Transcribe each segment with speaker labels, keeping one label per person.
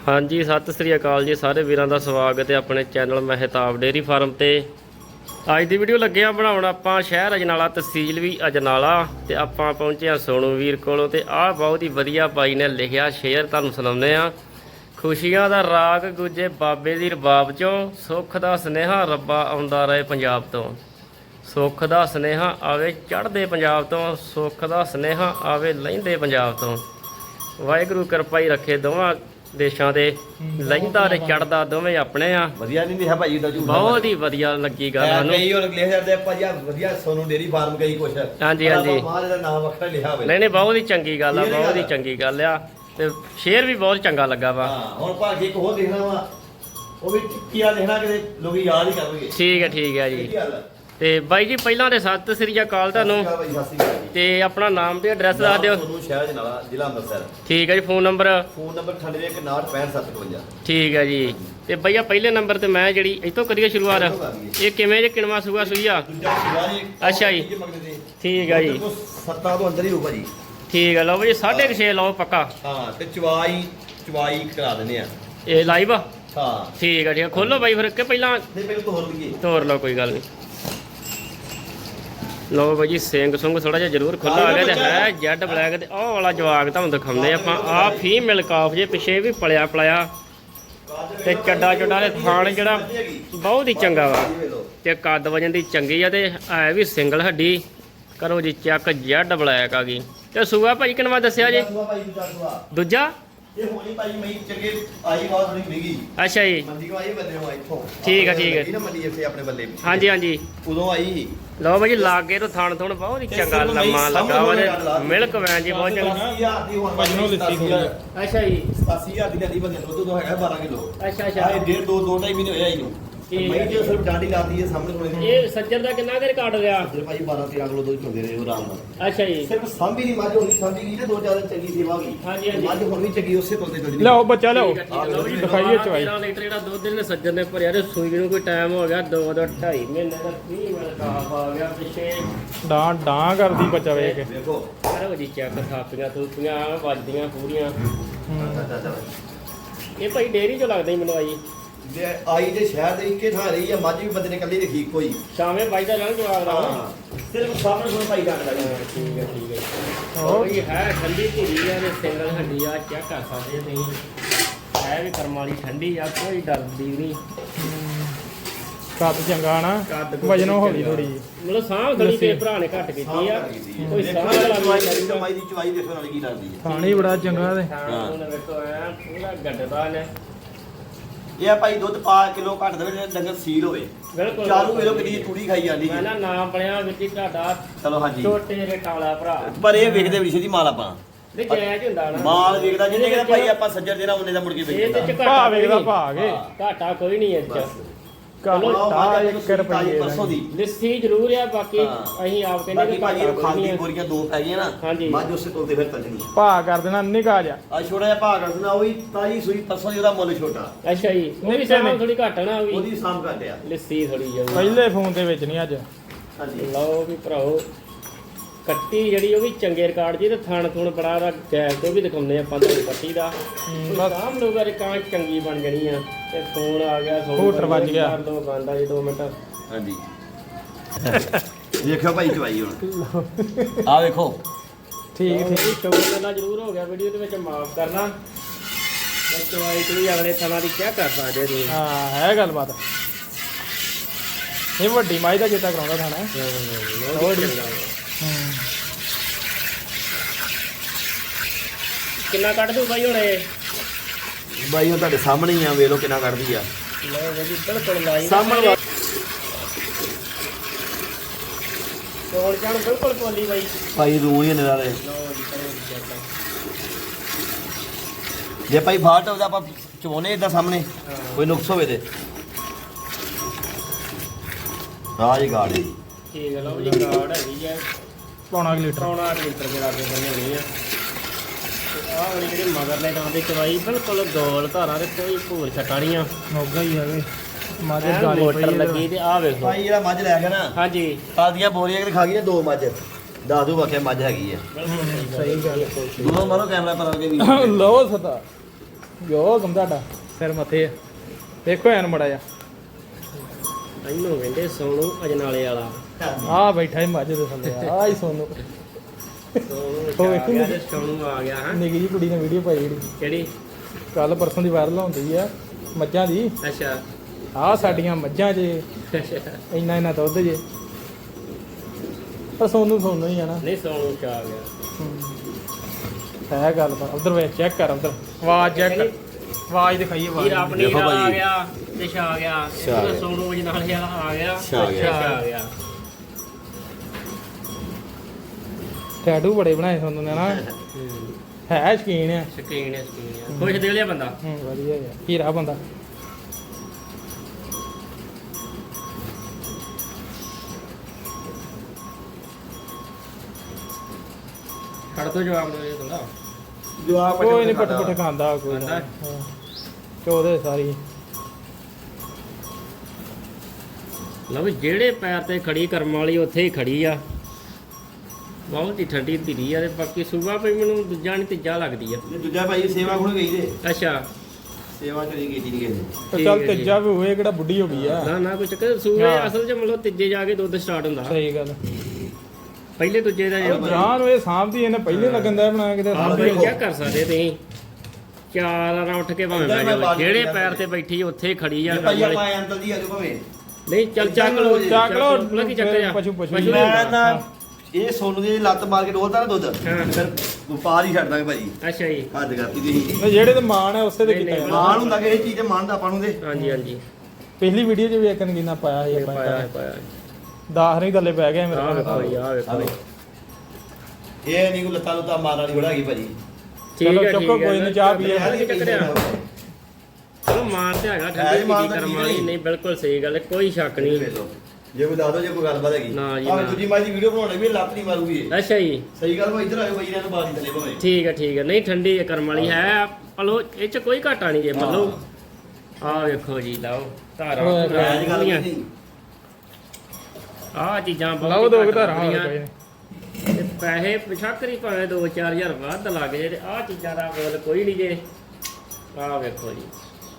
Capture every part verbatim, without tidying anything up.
Speaker 1: हाँ जी सत श्री अकाल जी सारे वीरों का स्वागत है अपने चैनल महताब डेयरी फार्म ते। अज की वीडियो लगे आ बनाउण आपां शहर अजनाला तहसील भी अजनाला ते आपां पहुंचे आ सोनू वीर कोलों ते आ बहुत ही वधिया भाई ने लिखिया शेयर तुहानूं सुणाउने आ। खुशियां दा राग गुजे बाबे दी रबाब चों, सुख दा स्नेहा रब्बा आउंदा रहे पंजाब तो। सुख दा स्नेहा आवे चढ़दे पंजाब तो, सुख दा स्नेहा आवे लहिंदे पंजाब तो। वाहिगुरू किरपा ही रखे दोवां देशां दे, लहिंदा ते चढ़दा दोवें अपने आ।
Speaker 2: ਵਧੀਆ ਨਹੀਂ ਲਿਖਿਆ ਭਾਈ ਦਾ ਝੂਠ
Speaker 1: बहुत ही वधिया लगी गल ਸਾਨੂੰ।
Speaker 2: ਕਈ ਹੋਰ ਲਿਖ ਜਾਂਦੇ ਭਾਈ ਆ ਵਧੀਆ ਸੋਨੂ ਡੇਰੀ ਫਾਰਮ ਕਈ ਕੁਛ
Speaker 1: ਹਾਂਜੀ ਹਾਂਜੀ
Speaker 2: ਮਾਂ ਦਾ ਨਾਮ ਵੱਖਰਾ ਲਿਖਿਆ ਹੋਵੇ।
Speaker 1: ਨਹੀਂ ਨਹੀਂ ਬਹੁਤ ਹੀ ਚੰਗੀ ਗੱਲ ਆ, ਬਹੁਤ ਹੀ ਚੰਗੀ ਗੱਲ ਆ ਤੇ ਸ਼ੇਅਰ ਵੀ ਬਹੁਤ ਚੰਗਾ ਲੱਗਾ ਵਾ।
Speaker 2: ਹਾਂ ਹੁਣ ਭਾਜੀ ਇੱਕ ਹੋਰ ਲਿਖਣਾ ਵਾ, ਉਹ ਵੀ ਟਿੱਕੀਆ ਲਿਖਣਾ ਕਿਤੇ ਲੋਕੀ ਯਾਦ ਹੀ ਕਰਨਗੇ।
Speaker 1: ਠੀਕ ਹੈ ਠੀਕ ਹੈ ਜੀ।
Speaker 2: ਕੀ ਗੱਲ ਹੈ
Speaker 1: ਤੇ ਬਾਈ ਜੀ ਪਹਿਲਾਂ ਤੇ ਸਤਿ ਸ੍ਰੀ ਅਕਾਲ ਤੁਹਾਨੂੰ
Speaker 2: ਭਾਈ ਸਤਿ ਸ਼੍ਰੀ ਅਕਾਲ ਜੀ।
Speaker 1: ਤੇ ਆਪਣਾ ਨਾਮ ਤੇ ਐਡਰੈਸ ਦੱਸ ਦਿਓ।
Speaker 2: ਸੋਨੂ ਸ਼ਹਿਰ ਜਨਾਲਾ ਜ਼ਿਲ੍ਹਾ ਅੰਮ੍ਰਿਤਸਰ।
Speaker 1: ਠੀਕ ਹੈ ਜੀ। ਫੋਨ ਨੰਬਰ
Speaker 2: ਫੋਨ ਨੰਬਰ ਅਠਾਨਵੇਂ ਇੱਕ ਉਨਾਹਠ ਪੈਂਹਠ ਸੱਤ ਇਕਵੰਜਾ।
Speaker 1: ਠੀਕ ਹੈ ਜੀ। ਤੇ ਭਈਆ ਪਹਿਲੇ ਨੰਬਰ ਤੇ ਮੈਂ ਜਿਹੜੀ ਇੱਥੋਂ ਕਰੀਏ ਸ਼ੁਰੂਆਤ, ਇਹ ਕਿਵੇਂ ਜੇ ਕਿਣਵਾ ਸੂਆ ਸੂਈ ਆ?
Speaker 2: ਦੂਜਾ ਸ਼ਿਵਾਜੀ
Speaker 1: ਅੱਛਾ ਜੀ। ਠੀਕ ਹੈ ਜੀ।
Speaker 2: ਸੱਤਾਂ ਤੋਂ ਅੰਦਰ ਹੀ ਹੋਊਗਾ ਜੀ।
Speaker 1: ਠੀਕ ਹੈ। ਲਓ ਜੀ ਸਾਢੇ ਕੁ ਛੇ ਲਓ ਪੱਕਾ।
Speaker 2: ਹਾਂ ਤੇ ਚਵਾਈ ਚਵਾਈ ਕਰਾ ਦਿੰਦੇ ਆ
Speaker 1: ਇਹ ਲਾਈਵ ਆ?
Speaker 2: ਹਾਂ
Speaker 1: ਠੀਕ ਹੈ ਠੀਕ ਹੈ। ਖੋਲੋ ਬਾਈ ਫਿਰ ਕਿ ਪਹਿਲਾਂ
Speaker 2: ਤੇ ਮੇਰੇ ਤੋਂ ਹੋਰ ਲਈਏ
Speaker 1: ਤੋਰ ਲਓ, ਕੋਈ ਗੱਲ ਨਹੀਂ। ਲਓ ਬਾਈ ਜੀ ਸਿੰਘ ਸੁੰਗ ਥੋੜਾ ਜਿਹਾ ਜ਼ਰੂਰ ਖੁੱਲਾ ਆ ਗਿਆ ਤੇ ਹੈ ਜੈਡ ਬਲੈਕ ਤੇ ਉਹ ਵਾਲਾ ਜਵਾਗ ਤੁਹਾਨੂੰ ਦਿਖਾਉਂਦੇ ਆਪਾਂ। ਆ ਫੀਮੇਲ ਕਾਫ ਜੇ ਪਿੱਛੇ ਵੀ ਪਲਿਆ ਪਲਿਆ ਤੇ ਚੱਡਾ ਚੱਡਾ ਦੇ ਥਾਣ ਜਿਹੜਾ ਬਹੁਤ ਹੀ ਚੰਗਾ ਵਾ ਤੇ ਕੱਦ ਵਜਨ ਦੀ ਚੰਗੀ ਆ ਤੇ ਐ ਵੀ ਸਿੰਗਲ ਹੱਡੀ। ਕਰੋ ਜੀ ਚੱਕ ਜੈਡ ਬਲੈਕ ਆ ਗਈ। ਤੇ ਸੂਆ ਭਾਈ ਕਿਨਵਾ ਦੱਸਿਆ ਜੀ? ਦੂਜਾ
Speaker 2: ਇਹ ਹੋਣੀ ਭਾਈ ਮੈਂ ਚੰਗੇ ਆਈ ਬਾਤ ਥੋੜੀ ਮਿਲੇਗੀ।
Speaker 1: ਅੱਛਾ ਜੀ।
Speaker 2: ਮੰਡੀ ਕੋ ਆਈ ਬੰਦੇ ਨੂੰ ਇੱਥੋਂ।
Speaker 1: ਠੀਕ ਆ ਠੀਕ ਆ।
Speaker 2: ਇਹ ਨਾ ਮੰਡੀ ਇੱਥੇ ਆਪਣੇ ਬੱਲੇ।
Speaker 1: ਹਾਂਜੀ ਹਾਂਜੀ।
Speaker 2: ਉਦੋਂ ਆਈ ਸੀ।
Speaker 1: ਲਓ ਭਾਈ ਲਾਗੇ ਤੋਂ ਥਾਣ ਥੁਣ ਬਹੁਤ ਹੀ ਚੰਗਾ ਲੰਮਾ ਲੱਗਾ ਵਾ ਤੇ ਮਿਲਕ ਵੈਨ ਜੀ ਬਹੁਤ ਚੰਗੀ।
Speaker 2: ਅੱਸੀ ਹਜ਼ਾਰ ਦੀ ਹੁਣ ਭਾਈ ਨੂੰ ਲਿੱਤੀ ਹੋਈ ਆ।
Speaker 1: ਅੱਛਾ ਜੀ।
Speaker 2: ਸਤਾਸੀ ਹਜ਼ਾਰ ਦੀ ਲਿਆਦੀ ਬੰਦੇ ਦੁੱਧ ਤੋਂ ਹੈਗਾ ਬਾਰਾਂ ਕਿਲੋ।
Speaker 1: ਅੱਛਾ ਅੱਛਾ।
Speaker 2: ਆਏ ਡੇਢ ਦੋ ਦੋ ਢਾਈ ਮਹੀਨੇ ਹੋਇਆ ਇਹਨੂੰ।
Speaker 1: ਠੀਕ
Speaker 2: ਮੈਂ ਜੇ ਸਿਰਫ ਡਾਂਡੀ ਲਾਤੀ ਹੈ ਸਾਹਮਣੇ ਕੋਲੇ।
Speaker 1: ਇਹ ਸੱਜਰ ਦਾ ਕਿੰਨਾ ਕੁ ਰਿਕਾਰਡ ਰਿਹਾ?
Speaker 2: ਜੇ ਭਾਈ ਬਾਰਾਂ ਤੇਰਾਂ ਕਿਲੋ ਦੁੱਧ ਚੋਂਦੇ ਰਹੇ ਉਹ ਆਰਾਮ ਨਾਲ।
Speaker 1: ਅੱਛਾ ਜੀ।
Speaker 2: ਸਿਰਫ ਸਾਂਭੀ ਦੀ ਮੱਝ ਹੋਣੀ, ਸਾਂਭੀ ਗਈ ਨਾ ਦੋ ਚਾਰ ਦਿਨ ਚੰਗੀ ਸੇਵਾ ਹੋ ਗਈ।
Speaker 1: ਹਾਂਜੀ ਹਾਂਜੀ।
Speaker 2: ਮੱਝ ਹੁਣ ਵੀ ਚੰਗੀ ਉਸੇ ਕੋਲ ਤੇ ਚੱਲਦੀ।
Speaker 3: ਲਓ ਬੱਚਾ ਲਓ
Speaker 1: ਦਿਖਾਈਏ ਚਵਾਈ। ਤੇਰਾਂ ਲੀਟਰ ਜਿਹੜਾ ਦੁੱਧ ਇਹਨੇ ਸੱਜਰ ਨੇ ਭਰਿਆ ਤੇ ਸੂਈ ਨੂੰ ਕੋਈ ਟਾਈਮ ਹੋ ਗਿਆ ਦੋ ਦੋ ਢਾਈ ਮਹੀਨੇ ਦਾ ਵੀਹ ਮਿੰਟ ਕਾਫ ਆ ਗਿਆ ਪਿੱਛੇ।
Speaker 3: ਡਾਂ ਡਾਂ ਕਰਦੀ ਬੱਚਾ ਵੇਖ ਕੇ।
Speaker 2: ਦੇਖੋ
Speaker 1: ਕਰੋ ਜੀ ਚੈੱਕ ਥਾਪੀਆਂ ਥੂਪੀਆਂ ਵੱਜਦੀਆਂ ਪੂਰੀਆਂ। ਇਹ ਭਾਈ ਡੇਅਰੀ ਚੋਂ ਲੱਗਦਾ ਹੀ ਮੈਨੂੰ ਆਈ।
Speaker 2: ਜੇ ਆਈ ਦੇ ਸ਼ਹਿਰ ਦੇ ਇੱਕੇ ਥਾਂ ਰਹੀ ਆ, ਮੱਝ ਵੀ ਬੰਦੇ ਨੇ ਕੱਲੀ ਰੱਖੀ ਕੋਈ।
Speaker 1: ਸ਼ਾਮੇ ਬਾਈ ਦਾ ਰੰਗ ਜਵਾਬ ਦਾ।
Speaker 2: ਸਿਰਫ ਸਾਹਮਣੇ ਕੋਲ ਭਾਈ ਡਾਂਡਾ ਜੀ।
Speaker 1: ਠੀਕ ਹੈ ਠੀਕ ਹੈ। ਉਹ ਇਹ ਹੈ ਠੰਡੀ ਧੀਰੀ ਆ ਤੇ ਸਿੰਗਲ ਹੱਡੀ ਆ, ਚੈੱਕ ਕਰ ਸਕਦੇ ਤੁਸੀਂ। ਹੈ ਵੀ ਕਰਮ ਵਾਲੀ ਠੰਡੀ ਆ, ਕੋਈ ਡਰਦੀ ਨਹੀਂ।
Speaker 3: ਕੱਦ ਚੰਗਾ ਨਾ, ਵਜਨ ਹੌਲੀ ਥੋੜੀ ਜੀ।
Speaker 1: ਮਤਲਬ ਸਾਹ ਥੋੜੀ ਤੇ ਭਰਾ ਨੇ ਘੱਟ ਕੀਤੀ ਆ। ਕੋਈ ਸਾਹ ਵਾਲਾ
Speaker 2: ਚਵਾਈ
Speaker 1: ਨਹੀਂ
Speaker 2: ਦੀ ਕਮਾਈ ਦੀ ਚਵਾਈ ਦੇਖੋ ਨਾਲ ਕੀ ਲੱਗਦੀ ਹੈ।
Speaker 3: ਥਾਣੀ ਬੜਾ ਚੰਗਾ ਤੇ
Speaker 1: ਹਾਂ ਉਹਨਾਂ ਵੇਖੋ ਐ ਪੂਰਾ ਗੱਡਦਾ ਨੇ।
Speaker 2: ਇਹ ਆ ਭਾਈ ਦੁੱਧ ਪਾ ਕਿਲੋ ਘੱਟ ਦੇਵੇ ਜਿਹੜਾ ਡੰਗਰ ਸੀਲ ਹੋਵੇ।
Speaker 1: ਬਿਲਕੁਲ
Speaker 2: ਚਾਲੂ ਵੇਲੋ ਕਿੰਨੀ ਤੂੜੀ ਖਾਈ ਜਾਂਦੀ
Speaker 1: ਮੈਂ
Speaker 2: ਹੈ।
Speaker 1: ਨਾ ਨਾਮ ਬਣਿਆ ਵਿੱਚ ਹੀ ਤੁਹਾਡਾ
Speaker 2: ਚਲੋ ਹਾਂਜੀ।
Speaker 1: ਛੋਟੇ ਰੇਟਾਂ ਵਾਲਾ ਭਰਾ।
Speaker 2: ਪਰ ਇਹ ਵੇਖਦੇ ਵਿਸ਼ੇ ਦੀ ਮਾਲ ਆਪਾਂ
Speaker 1: ਨਹੀਂ ਜਾਇਜ਼ ਹੁੰਦਾ ਨਾ।
Speaker 2: ਮਾਲ ਵੇਖਦਾ ਜਿੰਨੇ ਕਹਿੰਦਾ ਭਾਈ ਆਪਾਂ ਸੱਜਰ ਦੇਣਾ ਉਹਨੇ ਦਾ ਮੁੜ ਕੇ
Speaker 1: ਇਹ ਤੇ
Speaker 2: ਵੇਚਦਾ।
Speaker 1: ਚ
Speaker 3: ਭਾ
Speaker 1: ਘਾਟਾ
Speaker 3: ਵੇਖਦਾ ਭਾ ਕੇ
Speaker 1: ਘਾਟਾ ਕੋਈ ਨਹੀਂ ਇਹ ਚ।
Speaker 3: ਚਲੋ ਟਾ ਇੱਕ ਰੁਪਈਏ
Speaker 2: ਪਰਸੋਂ ਦੀ
Speaker 1: ਲਿੱਸੀ ਜ਼ਰੂਰ ਆ, ਬਾਕੀ
Speaker 2: ਹਾਂ।
Speaker 1: ਅਸੀਂ ਆਪ ਕਹਿੰਦੇ
Speaker 2: ਬਾਕੀ
Speaker 1: ਕਿ
Speaker 2: ਭਾਈ
Speaker 1: ਘਾਟਾ
Speaker 2: ਇਹ
Speaker 1: ਕੋਈ
Speaker 2: ਖਾਂਦੀ
Speaker 1: ਨਹੀਂ ਆ।
Speaker 2: ਬੋਰੀਆਂ ਦੋ ਪੈ ਗਈਆਂ ਨਾ।
Speaker 1: ਹਾਂਜੀ।
Speaker 2: ਮੱਝ ਉਸੇ ਕੋਲ ਤੇ ਫਿਰ ਤੱਜਣੀ
Speaker 3: ਭਾ ਕਰ ਦੇਣਾ ਨਿਕਾ ਜਾ।
Speaker 2: ਆ ਛੋਟਾ ਜਿਹਾ ਭਾਅ ਕਰ ਦੇਣਾ। ਉਹ ਵੀ ਤਾਜੀ ਸੂਈ ਪਰਸੋਂ ਦੀ ਉਹਦਾ ਮੁੱਲ ਛੋਟਾ।
Speaker 1: ਅੱਛਾ ਜੀ। ਉਹ ਵੀ ਸਾਹ ਥੋੜੀ ਘੱਟ ਨਾ ਵੀ
Speaker 2: ਉਹਦੀ ਸਾਂਭ ਕੱਢਿਆ।
Speaker 1: ਲਿੱਸੀ ਥੋੜੀ ਜਿਹੀ।
Speaker 3: ਪਹਿਲੇ ਫੋਨ ਦੇ ਵਿੱਚ ਨਹੀਂ ਅੱਜ।
Speaker 2: ਹਾਂਜੀ
Speaker 1: ਲਓ ਵੀ ਭਰਾਓ ਕੱਟੀ ਜਿਹੜੀ ਉਹ ਵੀ ਚੰਗੇ ਰਿਕਾਰਡ ਜੀ ਤੇ ਥਣ ਥੁਣ ਬੜਾ ਦਾ ਗੈਸ ਤੋਂ ਵੀ ਦਿਖਾਉਂਦੇ ਆਪਾਂ ਤੁਹਾਨੂੰ ਕੱਟੀ ਦਾ।
Speaker 3: ਬਸ
Speaker 1: ਆਮ ਲੋਕਾਂ ਦੇ ਕਾਂ ਚੰਗੀ ਬਣ ਜਣੀ ਆ। ਤੇ ਫੋਨ ਆ ਗਿਆ
Speaker 3: ਹੂਟਰ ਵੱਜ ਗਿਆ।
Speaker 1: ਕਰ ਦੋ ਬੰਦਾ ਜੀ ਦੋ ਮਿੰਟ।
Speaker 2: ਹਾਂਜੀ ਦੇਖਿਓ ਭਾਈ ਚਵਾਈ ਹੁਣ ਆ ਵੇਖੋ।
Speaker 3: ਠੀਕ ਠੀਕ।
Speaker 1: ਸ਼ੌਕ ਕਰਨਾ ਜ਼ਰੂਰ ਹੋ ਗਿਆ, ਵੀਡੀਓ ਦੇ ਵਿੱਚ ਮਾਫ ਕਰਨਾ। ਮੈਂ ਚਵਾਈ ਤੇ ਵੀ ਅਗਲੇ ਥਾਂ ਦੀ ਕਿਆ ਕਰ ਸਕਦੇ ਤੁਸੀਂ।
Speaker 3: ਹਾਂ ਹੈ ਗੱਲਬਾਤ। ਇਹ ਵੱਡੀ ਮਾਈ ਦਾ ਜੇਤਾ ਕਰਾਉਂਦਾ ਥਾਣਾ।
Speaker 1: ਹੋਰ
Speaker 3: ਹੂੰ
Speaker 1: ਕਿੰਨਾ ਕੱਢ ਦੂ ਬਾਈ ਹੁਣ ਇਹ?
Speaker 2: ਬਾਈ ਉਹ ਤੁਹਾਡੇ ਸਾਹਮਣੇ ਹੀ ਆ, ਵੇਖ ਲਓ ਕਿੰਨਾ ਕੱਢਦੀ ਆ।
Speaker 1: ਲਓ ਜੀ ਬਿਲਕੁਲ ਲਾਈ
Speaker 2: ਸਾਹਮਣੇ
Speaker 1: ਕੋਲ ਜਾਣ ਬਿਲਕੁਲ ਕੋਲੀ ਬਾਈ।
Speaker 2: ਭਾਈ ਰੂਹ ਹੀ ਨਿਰਾਲੇ।
Speaker 1: ਲਓ ਜੀ ਕਰੋ ਜੀ ਚੈੱਕ।
Speaker 2: ਜੇ ਭਾਈ ਫਾਲਟ ਹੋਵੇ ਆਪਾਂ ਚਵਾਉਣੇ ਇਦਾਂ ਸਾਹਮਣੇ ਕੋਈ ਨੁਕਸ ਹੋਵੇ ਤੇ ਰਾਜ ਗਾੜੀ।
Speaker 1: ਠੀਕ ਹੈ। ਲਓ ਜੀ ਗਾੜ ਹੈਗੀ ਹੈ
Speaker 3: ਪੌਣਾ ਕੁ ਲੀਟਰ।
Speaker 1: ਪੌਣਾ ਕੁ ਲੀਟਰ ਦੇ ਲਾਗੇ ਬੰਨੇ ਹੋਣੀ ਆ। ਤੇ ਆਹ ਵਾਲੀ ਜਿਹੜੀ ਮਗਰਲੇ ਤਾਂ ਦੀ ਚਵਾਈ ਬਿਲਕੁਲ ਗੋਲ ਧਾਰਾਂ ਤੇ ਕੋਈ ਭੂਰ ਛਟਾ ਨਹੀਂ ਆ।
Speaker 3: ਮੋਗਾ ਹੀ ਆਵੇ ਮਾਝੇ
Speaker 1: ਐਨ
Speaker 3: ਗਾਲੀ
Speaker 1: ਮੋਟਰ
Speaker 3: ਪਈ
Speaker 1: ਲੱਗੀ ਤੇ ਆਹ ਵੇਖੋ।
Speaker 2: ਭਾਈ ਜਿਹੜਾ ਮੱਝ ਲੈ ਗਿਆ ਨਾ
Speaker 1: ਹਾਂਜੀ
Speaker 2: ਤਾਜ਼ੀਆਂ ਬੋਰੀਆਂ ਕਿ ਖਾ ਗਈ ਨਾ ਦੋ ਮੱਝ ਦੱਸ ਦੋ ਵਾਕਿਆ ਮੱਝ ਹੈਗੀ ਆ।
Speaker 1: ਬਿਲਕੁਲ
Speaker 3: ਸਹੀ ਗੱਲ।
Speaker 2: ਦੂਰੋਂ ਮਾਰੋ ਕੈਮਰਾ ਪਰ ਕੇ ਵੀ
Speaker 3: ਲਓ ਸਦਾ ਜੋ ਗਮ ਤੁਹਾਡਾ ਸਿਰ ਮੱਥੇ ਆ ਦੇਖੋ ਐਨ ਮੜਾ ਜਾ
Speaker 1: ਇਹਨੂੰ ਕਹਿੰਦੇ ਸੋਨੂ ਅਜਨਾਲੇ ਵਾਲਾ
Speaker 3: ਆ ਬੈਠਾ ਹੀ ਮੱਝ ਦੇ ਥੱਲੇ ਆ ਹੀ ਸੋਨੂੰ
Speaker 1: ਸੋਨੂ ਆ ਗਿਆ ਤੇ ਸੋਨੂ ਆ ਗਿਆ ਹਾਂ
Speaker 3: ਨਿੱਕੀ ਜੀ ਕੁੜੀ ਨੇ ਵੀਡੀਓ ਪਾਈ ਜਿਹੜੀ
Speaker 1: ਕਿਹੜੀ
Speaker 3: ਕੱਲ ਪਰਸੋਂ ਦੀ ਵਾਇਰਲ ਹੁੰਦੀ ਆ ਮੱਝਾਂ ਦੀ
Speaker 1: ਅੱਛਾ
Speaker 3: ਆ ਸਾਡੀਆਂ ਮੱਝਾਂ ਜੇ ਇੰਨਾ ਇੰਨਾ ਦੁੱਧ ਜੇ ਪਰ ਸੋਨੂੰ ਸੋਨੂੰ ਹੀ ਆ ਨਾ
Speaker 1: ਨਹੀਂ ਸੋਨੂ ਚ ਆ ਗਿਆ
Speaker 3: ਹੈ ਗੱਲ ਤਾਂ ਉਧਰ ਵੇਖ ਚੈੱਕ ਕਰ ਉਧਰ ਆਵਾਜ਼ ਚੈੱਕ ਕਰ ਆਵਾਜ਼ ਦਿਖਾਈ
Speaker 1: ਵੀਰ
Speaker 3: ਆਵਾਜ਼
Speaker 1: ਆਪਣੀ
Speaker 2: ਦੇਖੋ
Speaker 1: ਆ
Speaker 2: ਭਾਈ।
Speaker 1: ਗਿਆ ਤੇ ਛਾ ਗਿਆ
Speaker 2: ਛਾ
Speaker 1: ਇਹਦਾ
Speaker 2: ਗਿਆ।
Speaker 1: ਸੋਨੂ ਅਜਨਾਲੇ ਵਾਲਾ ਆ ਗਿਆ
Speaker 2: ਛਾ ਗਿਆ।
Speaker 1: ਛਾ ਗਿਆ
Speaker 3: ਟੈਟੂ ਬੜੇ ਬਣਾਏ ਸੋਨੂੰ ਨੇ ਨਾ ਹੈ ਸ਼ਕੀਨ ਆ
Speaker 1: ਸਕਰੀਨ ਹੈ ਸਕਰੀਨ ਹੈ ਖੁਸ਼ ਦਿਲ ਆ ਬੰਦਾ
Speaker 3: ਹੂੰ ਵਧੀਆ ਯਾਰ ਹੀਰਾ ਬੰਦਾ
Speaker 1: ਛੱਡ ਤੋਂ ਜਵਾਬ ਦੇ ਥੋੜਾ
Speaker 2: ਜਵਾਬ
Speaker 3: ਕੋਈ ਨਹੀਂ ਪੱਟ ਪੱਟ ਖਾਂਦਾ ਕੋਈ ਨਾ
Speaker 1: ਖਾਂਦਾ?
Speaker 3: ਹਾਂ। ਚੋਦੇ ਸਾਰੀ
Speaker 1: ਲਓ ਵੀ ਜਿਹੜੇ ਪੈਰ ਤੇ ਖੜੀ ਕਰਮ ਵਾਲੀ ਉੱਥੇ ਹੀ ਖੜੀ ਆ ਬਹੁਤ ਹੀ ਠੰਡੀ ਧੀਰੀ ਆ ਤੇ ਬਾਕੀ ਸੂਬਾ ਪਈ ਮੈਨੂੰ ਦੂਜਾ ਨਹੀਂ ਤੀਜਾ ਲੱਗਦੀ ਆ
Speaker 2: ਦੂਜਾ ਭਾਈ ਸੇਵਾ ਕੋਲ ਗਈ ਜੇ
Speaker 1: ਅੱਛਾ
Speaker 2: ਸੇਵਾ ਕਰੀ ਗਈ ਜੀ ਕਿਸੇ
Speaker 3: ਤੇ
Speaker 1: ਠੀਕ
Speaker 3: ਚੱਲ
Speaker 1: ਹੈ,
Speaker 3: ਤੀਜਾ ਵੀ ਹੋਏ ਕਿਹੜਾ ਬੁੱਢੀ ਹੋ ਗਈ ਆ
Speaker 1: ਨਾ ਨਾ ਕੋਈ ਚੱਕਰ ਸੂਬੇ
Speaker 3: ਹਾਂ।
Speaker 1: ਅਸਲ 'ਚ ਮਤਲਬ ਤੀਜੇ ਜਾ ਕੇ ਦੁੱਧ ਸਟਾਰਟ ਹੁੰਦਾ
Speaker 3: ਸਹੀ ਗੱਲ
Speaker 1: ਪਹਿਲੇ ਦੂਜੇ ਦਾ
Speaker 3: ਉਹ ਜਾਨ ਵੇ ਸਾਂਭਦੀ ਇਹਨੇ ਪਹਿਲੇ ਲੱਗਣ ਦਾ ਬਣਾ ਕੇ ਤੇ
Speaker 1: ਆਹ
Speaker 3: ਸਾਂਭਦੀ
Speaker 1: ਕੀ ਕਰ ਸਕਦੇ ਤੁਸੀਂ ਚਾਰ ਰਾਂ ਉੱਠ ਕੇ ਭਾਵੇਂ ਬਹਿ ਜਾਓ ਜਿਹੜੇ ਪੈਰ ਤੇ ਬੈਠੀ ਉੱਥੇ ਹੀ ਖੜੀ ਆ
Speaker 2: ਜੇ ਭਾਈ ਆਪਾਂ ਐਂ ਅੰਕਲ ਜੀ ਆਜੋ ਭਾਵੇਂ
Speaker 1: ਨਹੀਂ ਚੱਲ ਚੱਕ ਲਓ
Speaker 3: ਚੱਕ ਲਓ
Speaker 1: ਪਤਾ ਕੀ ਚੱਕਰ ਆ
Speaker 3: ਪਸ਼ੂ ਪਸ਼ੂ
Speaker 1: ਪਸ਼ੂ
Speaker 2: ਮੈਂ ਨਾ ਇਹ ਸੋਨੂੰ ਦੀ ਲੱਤ ਮਾਰ ਕੇ ਡੋਲਦਾ ਨਾ ਦੁੱਧ
Speaker 1: ਹਾਂ।
Speaker 2: ਫਿਰ ਵਪਾਰ ਹੀ ਛੱਡ ਦਾਂਗੇ ਭਾਈ
Speaker 1: ਅੱਛਾ ਜੀ
Speaker 2: ਹੱਦ ਕਰਤੀ ਤੁਸੀਂ
Speaker 3: ਤੇ ਜਿਹੜੇ ਤੇ ਮਾਣ ਹੈ ਉਸੇ ਦੇ
Speaker 1: ਨਹੀਂ,
Speaker 3: ਕੀਤਾ
Speaker 1: ਨਹੀਂ,
Speaker 3: ਜਾਣਾ।
Speaker 2: ਮਾਣ ਹੁੰਦਾ ਕਿ ਇਹ ਚੀਜ਼ ਤੇ ਮਾਣ ਦਾ ਆਪਾਂ ਨੂੰ ਦੇ
Speaker 1: ਹਾਂਜੀ ਹਾਂਜੀ
Speaker 3: ਪਿਛਲੀ ਵੀਡੀਓ 'ਚ ਵੀ ਇੱਕ ਨਗੀਨਾ ਪਾਇਆ ਸੀ
Speaker 1: ਇਹ
Speaker 3: ਆਪਾਂ
Speaker 1: ਪਾਇਆ ਪਾਇਆ
Speaker 3: ਦਾਹ ਨਹੀਂ ਥੱਲੇ ਪੈ ਗਿਆ ਮੇਰੇ
Speaker 1: ਆਹ
Speaker 3: ਕੋਲ
Speaker 1: ਵੇਖੋ ਜੀ ਆਹ ਵੇਖੋ ਜੀ।
Speaker 2: ਇਹ ਨਹੀਂ ਕੋ ਲੱਤਾਂ ਲੁੱਤਾਂ ਮਾਰਨ ਵਾਲੀ ਹੋੜਾ ਗਈ ਭਾਜੀ
Speaker 1: ਠੀਕ
Speaker 3: ਚਲੋ
Speaker 1: ਹੈ
Speaker 3: ਚੁੱਕੋ,
Speaker 1: ਠੀਕ ਹੈ
Speaker 3: ਕੋਈ ਨੀ, ਚਾਹ ਪੀਏ।
Speaker 1: ਪਤਾ ਕੀ ਚੱਕਰ ਆ ਚਲੋ ਮਾਰ ਤੇ ਹੈਗਾ
Speaker 2: ਹੈ
Speaker 1: ਠੰਡੀ
Speaker 2: ਜੀ, ਮਾਰ
Speaker 1: ਦੀ
Speaker 2: ਤਾਂ
Speaker 1: ਕਰਮ
Speaker 2: ਠੀਕ
Speaker 1: ਵਾਲੀ
Speaker 2: ਨਹੀਂ।
Speaker 1: ਨਹੀਂ ਬਿਲਕੁਲ ਸਹੀ ਗੱਲ ਹੈ ਕੋਈ ਸ਼ੱਕ ਨਹੀਂ
Speaker 2: ਜੇ ਕੋਈ ਦੱਸ ਦੋ ਜੇ ਕੋਈ ਗੱਲਬਾਤ ਹੈਗੀ
Speaker 1: ਨਾ ਜੀ,
Speaker 2: ਭਾਵੇਂ
Speaker 1: ਨਾ।
Speaker 2: ਦੂਜੀ ਮਾਈ ਦੀ ਵੀਡੀਓ ਬਣਾਉਣੀ ਵੀ ਲੱਤ ਨਹੀਂ ਮਾਰੂਗੀ ਇਹ।
Speaker 1: ਅੱਛਾ ਜੀ
Speaker 2: ਸਹੀ ਗੱਲ ਭਾਈ ਇੱਧਰ ਆਇਓ ਭਾਈ ਇਹਨਾਂ ਨੂੰ ਬਾਦੀ ਥੱਲੇ ਭਾਵੇਂ
Speaker 1: ਠੀਕ ਹੈ ਠੀਕ ਹੈ ਨਹੀਂ ਠੰਡੀ ਹੈ ਕਰਮ ਵਾਲੀ ਹੈ ਪਲੋ ਇਹ ਚ ਕੋਈ ਘਾਟਾ ਨਹੀਂ ਜੇ ਮੱਲੋ ਆਹ ਵੇਖੋ ਜੀ ਲਓ ਧਾਰਾਂ
Speaker 3: ਓਏ,
Speaker 1: ਧੁਰਾਂ
Speaker 2: ਐਂ ਦੀ ਗੱਲ
Speaker 1: ਪੂਰੀਆਂ।
Speaker 2: ਨਹੀਂ
Speaker 3: ਲਓ
Speaker 1: ਆਹ ਚੀਜ਼ਾਂ
Speaker 3: ਦੋ
Speaker 1: ਘੱਟ
Speaker 3: ਧਾਰਾਂ
Speaker 1: ਲੱਗਦੀਆਂ।
Speaker 3: ਕੋਈ ਨੀ।
Speaker 1: ਤੇ ਪੈਸੇ ਪਛਾਕਰੀ ਭਾਵੇਂ ਦੋ ਚਾਰ ਹਜ਼ਾਰ ਵੱਧ ਲੱਗ ਜੇ ਤੇ ਆਹ ਚੀਜ਼ਾਂ ਦਾ ਮੁੱਲ ਕੋਈ ਨਹੀਂ ਜੇ ਆਹ ਵੇਖੋ ਜੀ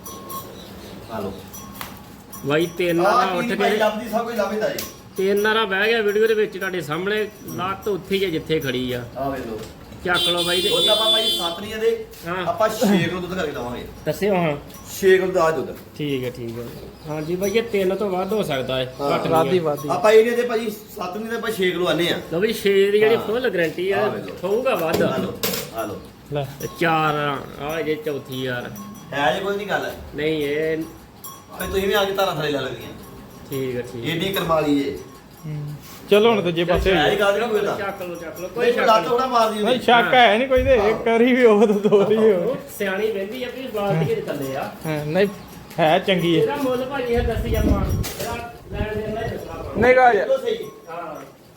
Speaker 2: ਆ ਲੋ
Speaker 1: ਬਾਈ ਤਿੰਨ
Speaker 2: ਆ
Speaker 1: ਨਾਲ ਉੱਠ
Speaker 2: ਕੀ ਭਾਈ
Speaker 1: ਕੇ
Speaker 2: ਲੱਭਦੀ ਸਭ ਕੁਝ ਲੱਭਦਾ ਜੀ
Speaker 1: ਤਿੰਨ ਨਾਰਾ ਬਹਿ ਗਿਆ ਵੀਡੀਓ ਦੇ ਵਿੱਚ ਤੁਹਾਡੇ ਸਾਹਮਣੇ ਲੱਤ ਉੱਥੇ ਹੀ ਹੈ ਜਿੱਥੇ ਖੜੀ ਆ
Speaker 2: ਆ ਵੇਖ ਲੋ
Speaker 1: ਚੱਕ ਲਓ ਬਾਈ
Speaker 2: ਦੁੱਧ
Speaker 1: ਤੇ
Speaker 2: ਆਪਾਂ ਭਾਈ ਸੱਤ ਨਹੀਂ ਦੇ
Speaker 1: ਹਾਂ।
Speaker 2: ਆਪਾਂ ਛੇ ਕਿਲੋ ਦੁੱਧ ਕਰਕੇ ਦਵਾਂਗੇ
Speaker 1: ਦੱਸਿਓ ਹਾਂ
Speaker 2: ਛੇ ਕਿਲੋ ਦਾ ਦੁੱਧ
Speaker 1: ਠੀਕ ਹੈ ਠੀਕ ਹੈ ਹਾਂਜੀ ਬਾਈ ਇਹ ਤਿੰਨ ਤੋਂ ਵੱਧ ਹੋ ਸਕਦਾ ਹੈ
Speaker 2: ਹਾਂ,
Speaker 1: ਘੱਟ
Speaker 3: ਵਾਦੀ
Speaker 1: ਨਹੀਂ ਹੈ।
Speaker 3: ਵਾਦੀ
Speaker 2: ਆਪਾਂ ਇਹ ਨਹੀਂ ਦੇ ਭਾਜੀ ਸੱਤ ਨਹੀਂ ਦੇ ਆਪਾਂ ਛੇ ਕਿਲੋ ਆਨੇ ਆ
Speaker 1: ਲਓ ਵੀ ਛੇ ਦੀ ਜਿਹੜੀ
Speaker 2: ਹਾਂ।
Speaker 1: ਫੁੱਲ ਗਾਰੰਟੀ ਆ
Speaker 2: ਆਹ ਵੇਖ ਲਓ।
Speaker 1: ਹੋਊਗਾ ਵੱਧ
Speaker 2: ਆ ਲੋ ਆ ਲੋ
Speaker 3: ਲੈ
Speaker 1: ਤੇ ਚਾਰ ਆ ਜੇ ਚੌਥੀ ਯਾਰ
Speaker 2: ਹੈ ਜੇ ਕੋਈ ਨਹੀਂ ਗੱਲ
Speaker 1: ਨਹੀਂ ਇਹ
Speaker 2: ਭਾਈ ਤੁਸੀਂ ਵੀ ਆ ਕੇ ਤਾਰਾਂ ਥੱਲੇ ਲੈ ਲੱਗੀਆਂ
Speaker 1: ਠੀਕ ਹੈ ਠੀਕ ਹੈ
Speaker 2: ਏਡੀ ਕਰਮਾਲੀ ਏ
Speaker 3: ਹੂੰ। ਚਲੋ ਹੁਣ ਦੂਜੇ ਪਾਸੇ
Speaker 2: ਹੈ
Speaker 3: ਹੋਈਏ।
Speaker 2: ਹੀ ਗੱਲ ਨਹੀਂ ਕੋਈ ਦਾ
Speaker 1: ਚੱਕ ਲਓ ਚੱਕ ਲਓ ਕੋਈ
Speaker 2: ਕੋਈ
Speaker 1: ਸ਼ੱਕ
Speaker 2: ਲੱਤ
Speaker 1: ਨਹੀਂ
Speaker 2: ਥੋੜਾ ਮਾਰਦੀ
Speaker 3: ਨਹੀਂ ਸ਼ੱਕ ਹੈ ਨਹੀਂ ਕੋਈ ਤੇ ਇੱਕ ਵਾਰੀ ਵੀ ਉਹ ਤਾਂ ਦੋ ਵਾਰੀ ਵੀ ਹੋ
Speaker 1: ਉਹ ਸਿਆਣੀ ਵਹਿੰਦੀ ਆ ਵੀ ਬਾਲਟੀ ਦੇ ਥੱਲੇ ਆ
Speaker 3: ਹਾਂ, ਨਹੀਂ ਹੈ ਚੰਗੀ ਹੈ
Speaker 1: ਇਹਦਾ ਮੁੱਲ ਭਾਜੀ ਇਹ ਦੱਸੀ ਆਪਾਂ ਇਹਦਾ ਲੈਣ ਦੇਣ ਦਾ ਹੀ ਦੱਸਣਾ ਆਪਾਂ
Speaker 3: ਨਹੀਂ ਗਾ
Speaker 2: ਚਲੋ ਸਹੀ
Speaker 1: ਹਾਂ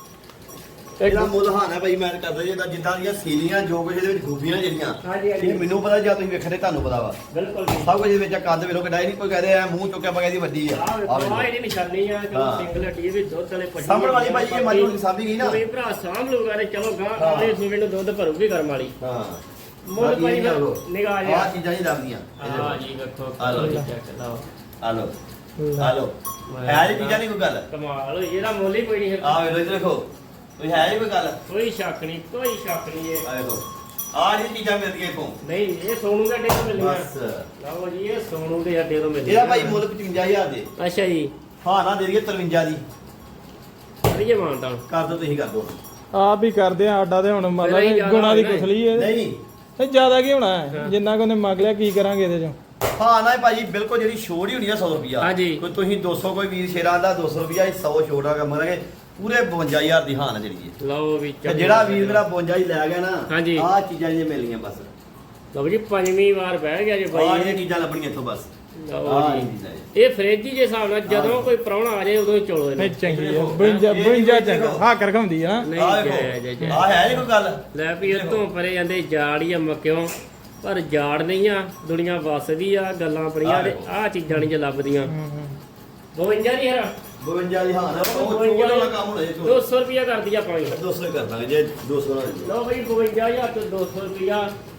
Speaker 3: ਇੱਕ
Speaker 2: ਇਹਦਾ ਮੁੱਲ ਹਾਨਾ ਭਾਈ ਮੈਂ ਕਰਦਾ ਜਿਹਦਾ ਜਿੱਦਾਂ ਦੀਆਂ ਸੀਲੀਆਂ ਜੋ ਕੁਝ ਇਹਦੇ ਵਿੱਚ ਖੂਬੀਆਂ ਜਿਹੜੀਆਂ
Speaker 1: ਹਾਂਜੀ, ਹਾਂਜੀ।
Speaker 2: ਇਹ ਮੈਨੂੰ ਪਤਾ ਜਾਂ ਤੁਸੀਂ ਵੇਖਣੇ ਤੁਹਾਨੂੰ ਪਤਾ ਵਾ
Speaker 1: ਬਿਲਕੁਲ ਜੀ
Speaker 2: ਸਭ ਕੁਝ ਇਹਦੇ ਵਿੱਚ ਕੱਦ ਵੇਖੋ ਕਿਡਾ ਨਹੀਂ ਕੋਈ ਕਹਦੇ ਆ ਮੂੰਹ ਚੁੱਕਿਆ ਪਗਾ ਇਹਦੀ ਵੱਡੀ ਆ
Speaker 1: ਆਹ
Speaker 2: ਆਹ
Speaker 1: ਵੇਖੋ
Speaker 2: ਵੇਖੋ।
Speaker 1: ਆਹ ਇਹਦੀ ਨਿਸ਼ਾਨੀ ਆ ਕਿ
Speaker 2: ਹਾਂ।
Speaker 1: ਸਿੰਗਲ ਹੱਟੀ ਵੀ ਦੁੱਧ ਵਾਲੇ ਪਸ਼ੂ
Speaker 2: ਸਾਂਭਣ ਵਾਲੀ ਭਾਜੀ ਇਹ ਮੱਝ ਹੁਣ ਸਾਂਭੀ ਗਈ ਨਾ।
Speaker 1: ਕੋਈ ਭਰਾ ਸਾਂਭ ਲੂਗਾ ਤੇ ਚਲੋ ਗਾਂ
Speaker 2: ਹਾਂ।
Speaker 1: ਅਗਲੇ ਸੂਬੇ ਨੂੰ ਦੁੱਧ ਭਰੂਗੀ ਕਰਮ ਵਾਲੀ
Speaker 2: ਹਾਂ
Speaker 1: ਮੁੱਲ ਭਾਜੀ ਨਿਗਾਹ
Speaker 2: ਆ
Speaker 1: ਜਿਹਾ
Speaker 2: ਚੀਜ਼ਾਂ ਨਹੀਂ ਲੱਭਦੀਆਂ
Speaker 1: ਹਾਂ ਜੀ ਵੇਖੋ
Speaker 2: ਆ ਲਓ ਜੀ।
Speaker 1: ਚੈੱਕ ਲਾਓ
Speaker 2: ਆ ਲੋ ਆ ਲੋ ਹੈ ਜੀ ਚੀਜ਼ਾਂ ਨਹੀਂ ਕੋਈ ਗੱਲ
Speaker 1: ਕਮਾਲ ਹੋਈ ਇਹਦਾ ਮੁੱਲ ਹੀ ਕੋਈ ਨਹੀਂ
Speaker 2: ਆ ਵੇਖੋ ਇੱਧਰ ਦੇਖੋ ਕੋਈ ਹੈ ਜੀ ਕੋਈ ਗੱਲ
Speaker 1: ਕੋਈ ਸ਼ੱਕ ਨਹੀਂ ਕੋਈ ਸ਼ੱਕ ਨਹੀਂ ਇਹ
Speaker 2: ਆ ਵੇਖੋ ਆ ਜਿਹੜੀ ਚੀਜ਼ਾਂ ਮਿਲਦੀਆਂ ਇਥੋਂ
Speaker 1: ਨਹੀਂ ਇਹ ਸੋਨੂ ਦੇ ਅੱਡੇ ਤੋਂ ਮਿਲਣੀਆਂ
Speaker 2: ਬਸ
Speaker 1: ਲਓ ਜੀ ਇਹ ਸੋਨੂ ਦੇ ਅੱਡੇ ਤੋਂ ਮਿਲਣੀਆਂ
Speaker 2: ਇਹਦਾ ਭਾਈ ਮੁੱਲ ਪਚਵੰਜਾ ਹਜ਼ਾਰ ਦੇ
Speaker 1: ਅੱਛਾ ਜੀ
Speaker 2: ਹਾਂ ਨਾ ਦੇ ਦਈਏ ਤਰਵੰਜਾ ਦੀ
Speaker 1: ਕਰੀਏ ਮਾਨਤਾ
Speaker 2: ਕਰ ਦੋ ਤੁਸੀਂ ਕਰ ਦੋ
Speaker 3: ਆਪ ਹੀ ਕਰਦੇ ਆ ਆਡਾ ਤੇ ਹੁਣ
Speaker 1: ਨਹੀਂ,
Speaker 3: ਮਤਲਬ
Speaker 1: ਜ਼ਿਆਦਾ
Speaker 3: ਗੁਣਾ ਦੀ
Speaker 1: ਹੋਣਾ ਹੈ।
Speaker 3: ਕੁਸਲੀ ਹੈ
Speaker 2: ਨਹੀਂ
Speaker 3: ਇਹ ਜ਼ਿਆਦਾ ਕੀ ਹੋਣਾ ਹੈ
Speaker 1: ਹਾਂ।
Speaker 3: ਜਿੰਨਾ ਕੋ ਨੇ ਮੰਗ ਲਿਆ ਕੀ ਕਰਾਂਗੇ ਇਹਦੇ ਚੋਂ
Speaker 2: ਹਾਂ ਨਾ ਭਾਜੀ ਬਿਲਕੁਲ ਜਿਹੜੀ ਛੋੜ ਹੀ ਹੋਣੀ ਆ ਸੌ ਰੁਪਿਆ
Speaker 1: ਹਾਂਜੀ।
Speaker 2: ਕੋਈ ਤੁਸੀਂ ਦੋ ਸੌ ਕੋਈ ਵੀਰ ਸ਼ੇਰਾਂ ਦਾ ਦੋ ਸੌ ਰੁਪਿਆ ਸੌ ਛੋੜ ਦਾ ਕੰਮ ਕਰਾਂਗੇ ਪੂਰੇ ਬਵੰਜਾ ਹਜ਼ਾਰ ਦੀ ਹਾਨ ਜਿਹੜੀ ਹੈ
Speaker 1: ਲਓ ਵੀ
Speaker 2: ਤੇ ਜਿਹੜਾ ਵੀਰ ਮੇਰਾ ਬਵੰਜਾ ਹੀ ਲੈ ਗਿਆ ਨਾ
Speaker 1: ਹਾਂਜੀ।
Speaker 2: ਆਹ ਚੀਜ਼ਾਂ ਜੇ ਮਿਲਣੀਆਂ ਬਸ
Speaker 1: ਲਓ ਜੀ ਪੰਜਵੀਂ ਵਾਰ ਬਹਿ ਗਿਆ ਜੀ
Speaker 2: ਆਹ
Speaker 1: ਬਾਈ
Speaker 2: ਜਿਹੜੀਆਂ ਚੀਜ਼ਾਂ ਲੱਭਣੀਆਂ ਇੱਥੋਂ ਬਸ
Speaker 1: ਲਓ
Speaker 2: ਆਹ
Speaker 1: ਜੀ
Speaker 2: ਚੀਜ਼ਾਂ ਜੀ।
Speaker 1: ਇਹ ਫ੍ਰਿਜ ਦੇ ਹਿਸਾਬ ਨਾਲ ਜਦੋਂ ਕੋਈ ਪ੍ਰਾਹੁਣਾ ਆ ਜਾਏ ਉਦੋਂ ਹੀ ਚੋਲੋ
Speaker 3: ਨਹੀਂ
Speaker 1: ਇਹਨੂੰ
Speaker 3: ਚੰਗੀ ਹੈ ਬੰਜਾ ਬੰਜਾ ਚੰਗਾ ਹਾਂ ਕਰ ਖੰਦੀ ਆ
Speaker 1: ਨਹੀਂ
Speaker 2: ਆਹ
Speaker 1: ਜੈ ਜੈ ਜੈ
Speaker 2: ਵੇਖੋ ਆਹ ਹੈ ਜੀ ਕੋਈ ਗੱਲ
Speaker 1: ਲੈ ਵੀ ਇਹ ਤੋਂ ਪਰੇ ਜਾਂਦੇ ਜਾੜੀ ਆ ਮੱਕਿਓ ਪਰ ਜਾੜ ਨਹੀਂ ਆ ਦੁਨੀਆ ਵਸਦੀ ਆ ਗੱਲਾਂ ਬੜੀਆਂ ਤੇ ਆਹ ਚੀਜ਼ਾਂ ਨਹੀਂ ਜੇ ਲੱਭਦੀਆਂ ਬਵੰਜਾ ਨਹੀਂ ਹਰਾ
Speaker 2: ਬਵੰਜਾ ਦੀ ਹਾਨ ਆ ਉਹ ਛੋੜ ਵਾਲਾ ਕੰਮ ਹੋਣਾ ਜੀ
Speaker 1: ਦੋ ਸੌ ਰੁਪਿਆ ਕਰਦੀ ਆਪਾਂ ਵੀ
Speaker 2: ਦੋ ਸੌ ਹੀ ਕਰ ਦਾਂਗੇ ਜੇ ਦੋ ਸੌ ਨਾਲ
Speaker 1: ਲਓ ਬਈ ਬਵੰਜਾ ਹਜ਼ਾਰ ਤੋਂ ਦੋ ਸੌ ਰੁਪਿਆ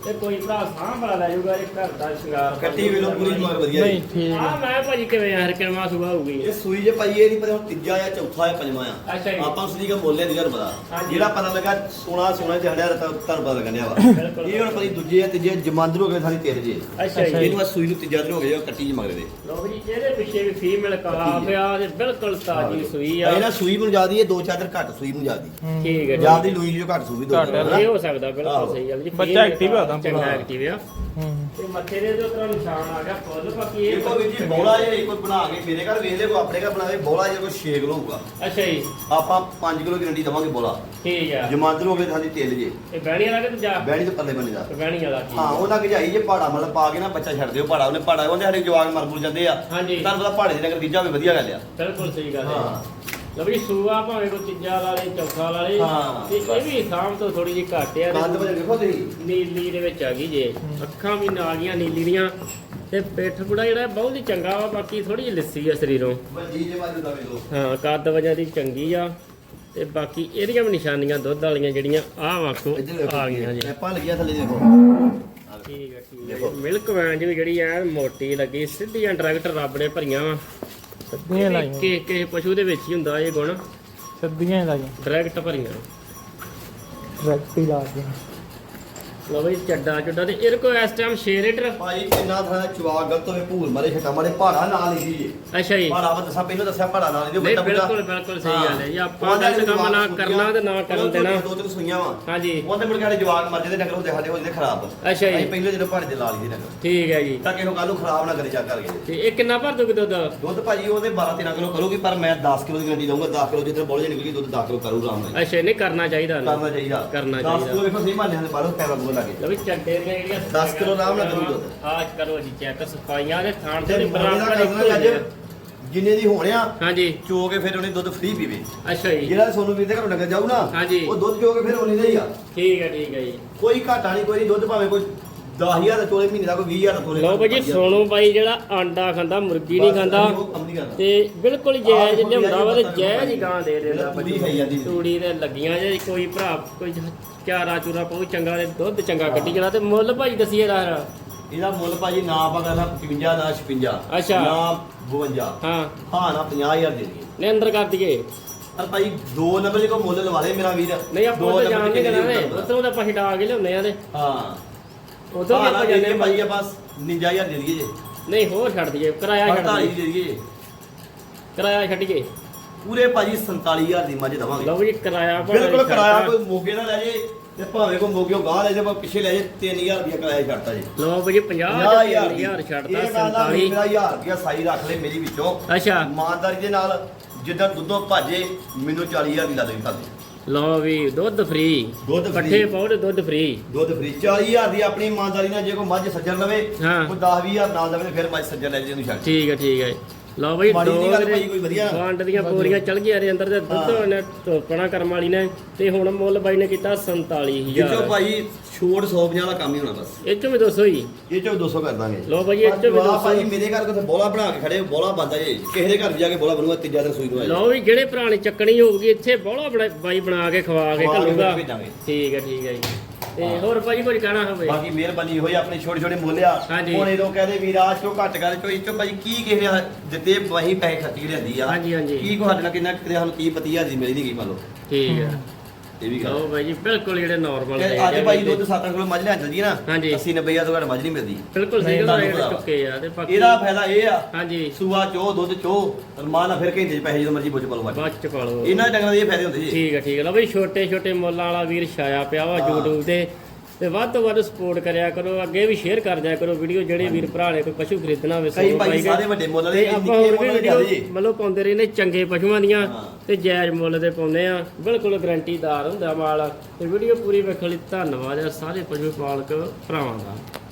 Speaker 1: ਤੇ ਕੋਈ ਭਰਾ ਸਾਂਭ ਵਾਲਾ ਲੈ ਜਾਊਗਾ ਇਹ ਘਰ ਦਾ ਸ਼ਿੰਗਾਰ
Speaker 2: ਕੱਟੀ ਵੇਲੋ ਪੂਰੀ ਮਗਰ ਵਧੀਆ
Speaker 3: ਨਹੀਂ
Speaker 2: ਜੀ
Speaker 3: ਠੀਕ
Speaker 1: ਆ
Speaker 3: ਆ।
Speaker 1: ਮੈਂ ਭਾਜੀ ਕਿਵੇਂ ਯਾਰ ਕਿੰਨਾ ਸੁਭਾ ਹੋਊਗੀ
Speaker 2: ਇਹ ਸੂਈ ਜੇ ਭਾਈ ਇਹ ਨਹੀਂ ਪਤਾ ਹੁਣ ਤੀਜਾ ਜਾਂ ਚੌਥਾ ਜਾਂ ਪੰਜਵਾਂ ਆ
Speaker 1: ਅੱਛਾ ਜੀ।
Speaker 2: ਆਪਾਂ ਉਸ ਦੀ ਦਾ ਮੁੱਲ ਨਹੀਂ ਪਤਾ
Speaker 1: ਹਾਂਜੀ।
Speaker 2: ਜਿਹੜਾ ਪਤਾ ਲੱਗਾ ਸੋਨਾ ਸੋਨਾ ਚੜਿਆ ਤਾਂ ਤੁਹਾਨੂੰ ਪਤਾ ਲੱਗਣਿਆ ਵਾ
Speaker 1: ਬਿਲਕੁਲ।
Speaker 2: ਇਹ ਹੁਣ ਪਤਾ ਦੂਜੇ ਜਾਂ ਤੀਜੇ ਜਮਾਂਦਰ ਹੋ ਗਏ ਸਾਰੀ ਤੇਰੇ ਜੇ
Speaker 1: ਅੱਛਾ ਜੀ
Speaker 2: ਇਹਨੂੰ ਆ ਸੂਈ ਨੂੰ ਤੀਜਾ ਦਿਨ ਹੋ ਗਿਆ ਕੱਟੀ ਚ ਮਗਰ ਦੇ
Speaker 1: ਲੋ ਜੀ ਇਹਦੇ ਪਿੱਛੇ ਵੀ ਫੀਮੇਲ ਕਹਾ ਪਿਆ ਤੇ ਬਿਲਕੁਲ ਤਾਜੀ ਸੂਈ ਆ
Speaker 2: ਇਹ ਨਾ ਸੂਈ ਨੂੰ ਜਿਆਦੀ ਇਹ ਦੋ ਚਾਰ ਦਿਨ ਘੱਟ ਸੂਈ ਨੂੰ ਜਿਆਦੀ
Speaker 3: ਹੂੰ।
Speaker 1: ਠੀਕ ਹੈ ਜੀ।
Speaker 2: ਜਿਆਦੀ ਲੂਈ ਜੋ ਘੱਟ ਸੂਈ ਦੋ
Speaker 3: ਘੱਟ
Speaker 2: ਦਿਨ,
Speaker 3: ਹੈ।
Speaker 2: ਹਨਾ?
Speaker 1: ਇਹ ਹੋ ਸਕਦਾ ਬਿਲਕੁਲ
Speaker 2: ਆਹੋ।
Speaker 1: ਸਹੀ ਗੱਲ ਜੀ
Speaker 3: ਬੱਚਾ active ਆ ਤਾਂ
Speaker 1: ਚੰਗਾ
Speaker 3: ਪੂਰਾ।
Speaker 1: ਐਕਟਿਵ ਆ
Speaker 3: ਹੂੰ
Speaker 1: ਤੇ ਮੱਥੇ ਦੇ ਜੋ ਤਰ੍ਹਾਂ ਨਿਸ਼ਾਨ ਆ ਗਿਆ ਫੁੱਲ ਬਾਕੀ ਇਹ
Speaker 2: ਦੇਖੋ ਵੀਰ ਜੀ ਬੋਲਾ ਜੇ ਕੋਈ ਬਣਾ ਕੇ ਮੇਰੇ ਘਰ ਵੇਖ ਲੈ ਕੋਈ ਆਪਣੇ ਘਰ ਬਣਾ ਕੇ ਬੋਲਾ ਜੇ ਕੋਈ ਛੇ ਕਿਲੋ ਹੋਊਗਾ
Speaker 1: ਅੱਛਾ ਜੀ
Speaker 2: ਆਪਾਂ ਪੰਜ ਕਿਲੋ ਗਰੰਟੀ ਦਵਾਂਗੇ ਬੋਲਾ
Speaker 1: ਠੀਕ ਆ
Speaker 2: ਜਮਾਂਦਰ ਹੋ ਗਏ ਸਾਡੀ ਤੇਲ ਜੇ
Speaker 1: ਇਹ ਬਹਿਣੀ ਵਾਲਾ ਕਿ ਜਾ
Speaker 2: ਬੈਣੀ ਤੇ ਪੱਲੇ ਬੰਨੇ ਦਾ
Speaker 1: ਬਹਿਣੀ ਵਾਲਾ ਠੀਕ
Speaker 2: ਹਾਂ ਉਹਨਾਂ ਗਜਾਈ ਜੇ ਪਹਾੜਾ ਮਤਲਬ ਪਾ ਕੇ ਨਾ ਬੱਚਾ ਛੱਡ ਦਿਓ ਪਹਾੜਾ ਉਹਨੇ ਪਹਾੜਾ ਉਹਦੇ ਸਾਡੇ ਜਵਾਗ ਮਰ ਮੁਰ ਜਾਂਦੇ ਆ
Speaker 1: ਹਾਂਜੀ।
Speaker 2: ਤੁਹਾਨੂੰ ਪਤਾ ਪਹਾੜੇ ਦੇ ਨਗਰ ਬੀਜਾ ਵੀ ਵਧੀਆ ਗੱਲ ਆ
Speaker 1: ਬਿਲਕੁਲ ਸਹੀ ਗੱਲ ਹੈ
Speaker 2: ਹਾਂ।
Speaker 1: ਲਓ ਵੀ ਸੂਆ ਭਾਵੇਂ ਕੋਈ ਤੀਜਾ ਵਾਲੇ ਚੌਥਾ ਵਾਲੇ
Speaker 2: ਹਾਂ,
Speaker 1: ਤੇ ਇਹ ਵੀ ਸਾਮ ਤੋਂ ਥੋੜੀ ਜਿਹੀ ਘੱਟ ਆ
Speaker 2: ਕੰਦ ਵਜੇ ਦੇਖੋ ਤੁਸੀਂ
Speaker 1: ਨੀਲੀ ਦੇ ਵਿੱਚ ਆ ਗਈ ਜੇ ਅੱਖਾਂ ਵੀ ਨਾਲ ਦੀਆਂ ਨੀਲੀ ਦੀਆਂ ਤੇ ਪਿੱਠ ਪੁੜਾ ਜਿਹੜਾ ਬਹੁਤ ਹੀ ਚੰਗਾ ਵਾ ਬਾਕੀ ਥੋੜੀ ਜਿਹੀ ਲੱਸੀ ਆ ਸਰੀਰੋਂ
Speaker 2: ਵੱਡੀ ਜੇ ਬਾਜੂ ਦਾ ਵੇਲੋ
Speaker 1: ਹਾਂ ਕੱਦ ਵਜ੍ਹਾ ਦੀ ਚੰਗੀ ਆ ਤੇ ਬਾਕੀ ਇਹਦੀਆਂ ਵੀ ਨਿਸ਼ਾਨੀਆਂ ਦੁੱਧ ਵਾਲੀਆਂ ਜਿਹੜੀਆਂ ਆਹ ਵਾਖੋ ਆ ਗਈਆਂ ਜੀ
Speaker 2: ਪੈਪਾਂ ਲੱਗੀਆਂ ਥੱਲੇ ਦੇਖੋ
Speaker 1: ਠੀਕ ਆ ਠੀਕ ਆ ਮਿਲਕ ਵੈਨ ਵੀ ਜਿਹੜੀ ਐ ਮੋਟੀ ਲੱਗੀ ਸਿੱਧੀਆਂ ਡਾਇਰੈਕਟ ਰੱਬ ਨੇ ਭਰੀਆਂ ਵਾ
Speaker 3: ਸੱਦੀਆਂ ਲਾਈਆਂ
Speaker 1: ਕਿ ਕਿਸੇ ਪਸ਼ੂ ਦੇ ਵਿੱਚ ਹੀ ਹੁੰਦਾ ਇਹ ਗੁਣ
Speaker 3: ਸੱਦੀਆਂ ਹੀ ਲਾਈਆਂ
Speaker 1: ਡਾਇਰੈਕਟ ਭਰੀਆਂ
Speaker 3: ਡਾਇਰੈਕਟ ਹੀ ਲਾ ਦਿੱਤੀਆਂ।
Speaker 1: ਲਓ ਬਈ ਚੱਡਾ ਚੁੱਡਾ ਤੇ ਇਹਦੇ ਕੋਲ ਇਸ ਟਾਈਮ ਛੇ ਲੀਟਰ
Speaker 2: ਭਾਈ ਕਿੰਨਾ ਥਾਂ ਚਵਾ ਗਲਤ ਹੋਵੇ ਭੂਲ ਮਾਰੇ ਛਟਾ ਮਾਰੇ ਪਹਾੜਾ ਨਾਲ ਲਿਖੀ ਜੀ
Speaker 1: ਅੱਛਾ ਜੀ
Speaker 2: ਪਹਾੜਾ ਵਾ ਦੱਸਾਂ ਪਹਿਲਾਂ ਦੱਸਿਆ ਪਹਾੜਾ ਨਾਲ
Speaker 1: ਨਹੀਂ ਬਿਲਕੁਲ ਬਿਲਕੁਲ ਸਹੀ ਗੱਲ ਹੈ ਜੀ ਆਪਾਂ ਦਾ ਕੰਮ ਨਾ ਕਰਨਾ ਤੇ ਨਾ ਕਰਨ ਦੇਣਾ
Speaker 2: ਦੋ ਤਿੰਨ ਸੂਈਆਂ ਵਾ
Speaker 1: ਹਾਂਜੀ
Speaker 2: ਉਹਦੇ ਮੁੜ ਕੇ ਸਾਡੇ ਜਵਾਕ ਮਰ ਜਾਂਦੇ ਨਗਰ ਹੁੰਦੇ ਸਾਡੇ ਹੋ ਜਾਂਦੇ ਖਰਾਬ
Speaker 1: ਅੱਛਾ ਜੀ
Speaker 2: ਅਸੀਂ ਪਹਿਲੇ ਜਦੋਂ ਪਹਾੜੇ ਤੇ ਲਾ ਲਈ ਨਗਰ
Speaker 1: ਠੀਕ ਹੈ ਜੀ
Speaker 2: ਤਾਂ ਕਿਸੇ ਨੂੰ ਕੱਲ ਨੂੰ ਖਰਾਬ ਨਾ ਕਰੇ ਚੱਕ ਕਰਕੇ
Speaker 1: ਤੇ ਇਹ ਕਿੰਨਾ ਭਰ ਦੋਗੇ ਦੁੱਧ
Speaker 2: ਦੁੱਧ ਭਾਜੀ ਉਹਦੇ ਬਾਰਾਂ ਤੇਰਾਂ ਕਿਲੋ ਕਰੂਗੀ ਪਰ ਮੈਂ ਦਸ ਕਿਲੋ ਦੀ ਗਰੰਟੀ ਦਊਂਗਾ ਦਸ ਕਿਲੋ ਜਿੱਦਾਂ ਬੋਲੇ ਨਿਕਲੀ ਦੁੱਧ ਦਸ ਕਿਲੋ ਕਰੂ ਆਰਾਮ ਨਾਲ
Speaker 1: ਅੱਛਾ ਨਹੀਂ ਕਰਨਾ ਚਾਹੀਦਾ ਉਹਨੂੰ।
Speaker 2: ਕਰਨਾ ਚਾਹੀਦਾ
Speaker 1: ਕਰਨਾ
Speaker 2: ਦਸ
Speaker 1: ਚਾਹੀਦਾ।
Speaker 2: ਕਿਲੋ ਵੇਖੋ ਸਹੀ ਮਾਨੇ ਦੇ ਬਾਹਰੋਂ ਪੈਰਾ ਬੋਲ ਲੱਗੇ
Speaker 1: ਲਓ ਵੀ ਚੱਡੇ ਦੀਆਂ ਜਿਹੜੀਆਂ
Speaker 2: ਦਸ ਕਿਲੋ ਆਰਾਮ ਨਾਲ ਕਰੂ ਦੁੱਧ।
Speaker 1: ਆਹ ਕਰੋ ਜੀ ਚੈੱਕ ਸਫਾਈਆਂ ਦੇ ਥਾਣ ਤੇ
Speaker 2: ਤੇ
Speaker 1: ਬਰਾਬਰ
Speaker 2: ਬਰਾਬਰ
Speaker 1: ਇੱਕੋ
Speaker 2: ਕਰਨਾ
Speaker 1: ਹੀ ਆ।
Speaker 2: ਅੱਜ ਜਿੰਨੇ ਦੀ ਹੋਣਿਆ
Speaker 1: ਹਾਂਜੀ
Speaker 2: ਚੋ ਕੇ ਫਿਰ ਉਹਨੇ ਦੁੱਧ ਫ੍ਰੀ ਪੀਵੇ
Speaker 1: ਅੱਛਾ ਜੀ
Speaker 2: ਜਿਹੜਾ ਸੋਨੂੰ ਵੀਰ ਦੇ ਘਰੋਂ ਨਗਰ ਜਾਊ ਨਾ
Speaker 1: ਹਾਂਜੀ।
Speaker 2: ਉਹ ਦੁੱਧ ਚੋ ਕੇ ਫਿਰ ਉਹਨੇ ਦਾ ਹੀ ਆ
Speaker 1: ਠੀਕ ਹੈ ਠੀਕ ਹੈ ਜੀ
Speaker 2: ਕੋਈ ਘਾਟਾ ਨਹੀਂ ਕੋਈ ਨਹੀਂ ਦੁੱਧ ਭਾਵੇਂ ਕੋਈ ਦਸ ਹਜ਼ਾਰ ਦਾ ਚੋਲੇ ਮਹੀਨੇ ਦਾ ਕੋਈ ਵੀਹ ਹਜ਼ਾਰ ਦਾ ਚੋਲੇ
Speaker 1: ਲਓ ਭਾਜੀ ਸੋਨੂ ਬਾਈ ਜਿਹੜਾ ਆਂਡਾ ਖਾਂਦਾ ਮੁਰਗੀ ਨਹੀਂ ਖਾਂਦਾ
Speaker 2: ਉਹ ਕੰਮ ਨਹੀਂ ਕਰਦਾ
Speaker 1: ਤੇ ਬਿਲਕੁਲ ਜਾਇਜ਼ ਲਿਆਉਂਦਾ ਵਾ ਤੇ ਜਾਇਜ਼ ਹੀ ਗਾਂ ਦੇ ਦਿੰਦਾ
Speaker 2: ਤੂੜੀ ਖਾਈ ਜਾਂਦੀ ਸੀ।
Speaker 1: ਤੂੜੀ ਤੇ ਲੱਗੀਆਂ ਜੇ ਕੋਈ ਭਰਾ ਕੋਈ ਚਾਰਾ ਚੂਰਾ ਪਾਉ ਚੰਗਾ ਤੇ ਦੁੱਧ ਚੰਗਾ ਕੱਢੀ ਜਣਾ ਤੇ ਮੁੱਲ ਭਾਜੀ ਦਸੀਏ ਦਾ
Speaker 2: ਇਹਦਾ ਮੁੱਲ ਭਾਜੀ ਨਾ ਆਪਾਂ ਕਰਨਾ ਪਚਵੰਜਾ ਨਾ ਛਪੰਜਾ
Speaker 1: ਅੱਛਾ।
Speaker 2: ਨਾ ਬਵੰਜਾ
Speaker 1: ਹਾਂ
Speaker 2: ਹਾਂ ਨਾ ਪੰਜਾਹ ਹਜ਼ਾਰ ਦੇ ਦਈਏ
Speaker 1: ਨੇ ਅੰਦਰ ਕਰ ਦਈਏ
Speaker 2: ਪਰ ਭਾਈ ਦੋ ਨੰਬਰ ਦੇ ਕੋ ਮੁੱਲ ਲਵਾ ਲੈ ਮੇਰਾ ਵੀਰ
Speaker 1: ਨਹੀਂ ਆਪਾਂ
Speaker 2: ਦੋ
Speaker 1: ਉਹ
Speaker 2: ਨੰਬਰ
Speaker 1: ਜਾਣ
Speaker 2: ਕਿੰਨੇ
Speaker 1: ਨਹੀਂ
Speaker 2: ਦੀ
Speaker 1: ਕਰਾਂਗੇ
Speaker 2: ਉੱਤਰ
Speaker 1: ਉਤੋਂ ਤਾਂ ਆਪਾਂ ਛਡਾ ਕੇ ਲਿਆਉਂਦੇ ਆ ਤੇ
Speaker 2: ਹਾਂ
Speaker 1: ਉਦੋਂ ਵੀ
Speaker 2: ਹਾਂ
Speaker 1: ਆਪਾਂ
Speaker 2: ਨਾ
Speaker 1: ਜਾਂਦੇ
Speaker 2: ਭਾਈ ਆਪਾਂ ਉਣੰਜਾ ਹਜ਼ਾਰ ਦੇ ਦਈਏ ਜੇ
Speaker 1: ਨਹੀਂ ਹੋਰ ਛੱਡ ਦਈਏ ਕਿਰਾਇਆ ਛੱਡ
Speaker 2: ਅੜਤਾਲੀ
Speaker 1: ਦਈਏ
Speaker 2: ਦੇ ਦਈਏ
Speaker 1: ਕਿਰਾਇਆ ਛੱਡੀਏ
Speaker 2: ਪੂਰੇ ਭਾਜੀ ਸੰਤਾਲੀ ਹਜ਼ਾਰ ਦੀ ਮੱਝ ਦਵਾਂਗੇ
Speaker 1: ਲਓ ਜੀ ਕਿਰਾਇਆ ਭਾਵੇਂ
Speaker 2: ਬਿਲਕੁਲ
Speaker 1: ਛੱਡਤਾ।
Speaker 2: ਕਿਰਾਇਆ ਕੋਈ ਮੋਗੇ ਨਾ ਲੈ ਜੇ ਤੇ ਭਾਵੇਂ ਕੋਈ ਮੋਗਿਓ ਗਾਹ ਲੈ ਜੇ ਪਰ ਪਿੱਛੇ ਲੈ ਜੇ ਤਿੰਨ ਹਜ਼ਾਰ ਰੁਪਇਆ ਕਿਰਾਇਆ ਛੱਡਤਾ ਜੀ
Speaker 1: ਲਓ ਭਾਜੀ ਪੰਜਾਹ
Speaker 2: ਪੰਜਾਹ
Speaker 1: ਹਜ਼ਾਰ
Speaker 2: ਹਜ਼ਾਰ
Speaker 1: ਛੱਡਦਾ
Speaker 2: ਇਹ ਗੱਲ ਆ ਵੀ
Speaker 1: ਸੰਤਾਲੀ
Speaker 2: ਮੇਰਾ ਹਜ਼ਾਰ ਰੁਪਇਆ ਸਾਈ ਰੱਖ ਲੈ ਮੇਰੀ ਵਿੱਚੋਂ
Speaker 1: ਅੱਛਾ
Speaker 2: ਇਮਾਨਦਾਰੀ ਦੇ ਨਾਲ ਜਿੱਦਾਂ ਦੁੱਧੋਂ ਭਾਜੇ ਮੈਨੂੰ ਚਾਲੀ ਹਜ਼ਾਰ ਦੀ ਲਾ ਦੇ ਖਾਦੇ
Speaker 1: ਲਓ ਵੀ ਦੁੱਧ ਫ੍ਰੀ
Speaker 2: ਦੁੱਧ free।
Speaker 1: ਪੱਠੇ ਪਾਉ ਤੇ ਦੁੱਧ ਫ੍ਰੀ
Speaker 2: ਦੁੱਧ ਫਰੀ ਚਾਲੀ ਹਜ਼ਾਰ ਦੀ ਆਪਣੀ ਇਮਾਨਦਾਰੀ ਨਾਲ ਜੇ ਕੋਈ ਮੱਝ ਸੱਜਣ ਲਵੇ
Speaker 1: ਹਾਂ।
Speaker 2: ਕੋਈ ਦਸ ਵੀਹ ਹਜ਼ਾਰ ਨਾਲ ਲਵੇ ਤੇ ਫਿਰ ਮੱਝ ਸੱਜਣ ਲੈ ਜੇ ਉਹਨੂੰ ਛੱਡ
Speaker 1: ਠੀਕ ਹੈ ਠੀਕ ਹੈ ਲਓ ਬਈ
Speaker 2: ਮਾੜੀ ਜਿਹੀ ਗੱਲ
Speaker 1: ਦੋ
Speaker 2: ਭਾਈ ਕੋਈ ਵਧੀਆ।
Speaker 1: ਵੰਡ ਦੀਆਂ ਬੋਰੀਆਂ ਚਲ ਗਈਆਂ ਦੇ ਅੰਦਰ ਤੇ ਦੁੱਧ
Speaker 2: ਹਾਂ।
Speaker 1: ਉਹਨੇ ਧੋਪਣਾ ਕਰਮ ਵਾਲੀ ਨੇ ਤੇ ਹੁਣ ਮੁੱਲ ਬਾਈ ਨੇ ਕੀਤਾ ਸੰਤਾਲੀ
Speaker 2: ਜਿੱਚੋ
Speaker 1: ਹਜ਼ਾਰ
Speaker 2: ਭਾਈ ਛੋੜ ਸੌ ਪੰਜਾਹ ਦਾ ਕੰਮ ਹੀ ਹੋਣਾ ਬਸ
Speaker 1: ਇਹ ਚੋਂ ਵੀ ਦੋ ਸੌ ਹੀ
Speaker 2: ਇਹ ਚੋਂ ਦੋ ਸੌ ਕਰ ਦਾਂਗੇ
Speaker 1: ਲਓ ਭਾਈ ਇਹ ਚੋਂ ਵੀ ਦੋ
Speaker 2: ਆਹ
Speaker 1: ਸੌ
Speaker 2: ਭਾਈ ਮੇਰੇ ਘਰ ਕੋਲ ਬੋਲਾ ਬਣਾ ਕੇ ਖੜੇ ਬੋਲਾ ਬੰਦਾ ਜੇ ਕਿਸੇ ਦੇ ਘਰ ਵੀ ਜਾ ਕੇ ਬੋਲਾ ਬਣੂਗਾ ਤੀਜਾ ਦਿਨ ਸੂਈ ਨੂੰ ਆ
Speaker 1: ਲਓ ਵੀ ਜਿਹੜੇ ਪੁਰਾਣੀ ਚੱਕਣੀ ਹੋਊਗੀ ਇੱਥੇ ਬੋਲਾ ਬਣਾ ਬਾਈ ਬਣਾ ਕੇ ਖਵਾ ਕੇ
Speaker 2: ਖਵਾ ਕੇ
Speaker 1: ਘੱਲੂਗਾ
Speaker 2: ਭੇਜਾਂਗੇ।
Speaker 1: ਠੀਕ ਹੈ ਠੀਕ ਹੈ ਜੀ ਤੇ ਹੋਰ ਭਾਈ ਕੁਝ ਕਹਿਣਾ ਹੋਵੇ
Speaker 2: ਬਾਕੀ ਮਿਹਰਬਾਨੀ ਹੋਈ ਆਪਣੇ ਛੋਟੇ ਛੋਟੇ ਮੁੱਲ ਆ
Speaker 1: ਹਾਂਜੀ।
Speaker 2: ਹੁਣ ਇਹਦੋਂ ਕਹਦੇ ਵੀਰ ਆਜ ਤੋਂ ਘੱਟ ਕਰ ਚੋ ਇਚੋ ਭਾਈ ਕੀ ਕਿਸੇ ਨੇ ਦਿੱਤੇ ਵਹੀ ਪੈਸੇ ਖਰਚੀ ਲਿਆਂਦੀ ਆ
Speaker 1: ਹਾਂਜੀ, ਹਾਂਜੀ।
Speaker 2: ਕੀ ਕੋ ਸਾਡੇ ਨਾਲ ਕਿੰਨਾ ਕਿਤੇ ਸਾਨੂੰ ਕੀ ਪਤੀ ਹਜ਼ਾਰ ਦੀ ਮਿਲੀ ਨਹੀਂ ਗਈ ਮੰਨ ਲਓ
Speaker 1: ਠੀਕ ਹੈ
Speaker 2: ਇਹ ਵੀ ਗੱਲ
Speaker 1: ਲਓ ਬਾਈ ਜੀ ਬਿਲਕੁਲ ਜਿਹੜੇ ਨਾਰਮਲ
Speaker 2: ਤੇ ਅੱਜ ਭਾਈ ਦੁੱਧ ਸੱਤ ਕਿਲੋ ਮੱਝ ਲੈ ਜਾਂਦੀ ਨਾ
Speaker 1: ਹਾਂਜੀ।
Speaker 2: ਅੱਸੀ ਨੱਬੇ ਹਜ਼ਾਰ ਤੋਂ ਘੱਟ ਮੱਝ ਨਹੀਂ ਮਿਲਦੀ
Speaker 1: ਬਿਲਕੁਲ ਸਹੀ ਗੱਲ
Speaker 2: ਤੁਹਾਨੂੰ
Speaker 1: ਰੇਟ
Speaker 2: ਪਤਾ ਵਾ।
Speaker 1: ਚੁੱਕੇ ਆ ਤੇ ਬਾਕੀ
Speaker 2: ਇਹਦਾ ਫਾਇਦਾ ਇਹ ਆ
Speaker 1: ਹਾਂਜੀ
Speaker 2: ਸੂਆ ਚੋ ਦੁੱਧ ਚੋ ਰਮਾਨ ਨਾਲ ਫਿਰ ਘੰਟੇ ਚ ਪੈਸੇ ਜਦੋਂ ਮਰਜ਼ੀ ਬੁੱਝ ਪਾ ਲਓ ਮੱਝ।
Speaker 1: ਬਾਅਦ ਚ ਪਾ ਲਓ
Speaker 2: ਇਹਨਾਂ ਡੰਗਰਾਂ ਦੇ ਇਹ ਫਾਇਦੇ ਹੁੰਦੇ ਜੀ
Speaker 1: ਠੀਕ ਹੈ ਠੀਕ ਹੈ ਲਓ ਬਈ ਛੋਟੇ ਛੋਟੇ ਮੁੱਲਾਂ ਵਾਲਾ ਵੀਰ ਛਾਇਆ ਪਿਆ ਵਾ
Speaker 2: ਹਾਂ।
Speaker 1: YouTube ਤੇ ਤੇ ਵੱਧ ਤੋਂ ਵੱਧ ਸਪੋਰਟ ਕਰਿਆ ਕਰੋ ਅੱਗੇ ਵੀ ਸ਼ੇਅਰ ਕਰ ਦਿਆ ਕਰੋ ਵੀਡੀਓ ਜਿਹੜੇ ਵੀਰ ਭਰਾ ਨੇ ਕੋਈ ਪਸ਼ੂ ਖਰੀਦਣਾ ਹੋਵੇ
Speaker 2: ਕਈ
Speaker 1: ਸੋ
Speaker 2: ਭਾਈ
Speaker 1: ਪਾਈ ਗਏ।
Speaker 2: ਸਾਰੇ ਵੱਡੇ ਮੁੱਲ
Speaker 1: ਤੇ
Speaker 2: ਦੇ
Speaker 1: ਆਪਾਂ
Speaker 2: ਨਿੱਕੇ
Speaker 1: ਹੋਰ ਵੀ
Speaker 2: ਮੁੱਲ ਦੇ
Speaker 1: ਵੀਡੀਓ
Speaker 2: ਜ਼ਿਆਦੇ ਜੀ
Speaker 1: ਮਤਲਬ ਪਾਉਂਦੇ ਰਹਿੰਦੇ ਚੰਗੇ ਪਸ਼ੂਆਂ ਦੀਆਂ
Speaker 2: ਹਾਂ।
Speaker 1: ਤੇ ਜਾਇਜ਼ ਮੁੱਲ ਦੇ ਪਾਉਂਦੇ ਆ ਬਿਲਕੁਲ ਗਰੰਟੀਦਾਰ ਹੁੰਦਾ ਮਾਲ ਤੇ ਵੀਡੀਓ ਪੂਰੀ ਵੇਖਣ ਲਈ ਧੰਨਵਾਦ ਆ ਸਾਰੇ ਪਸ਼ੂ ਪਾਲਕ ਭਰਾਵਾਂ ਦਾ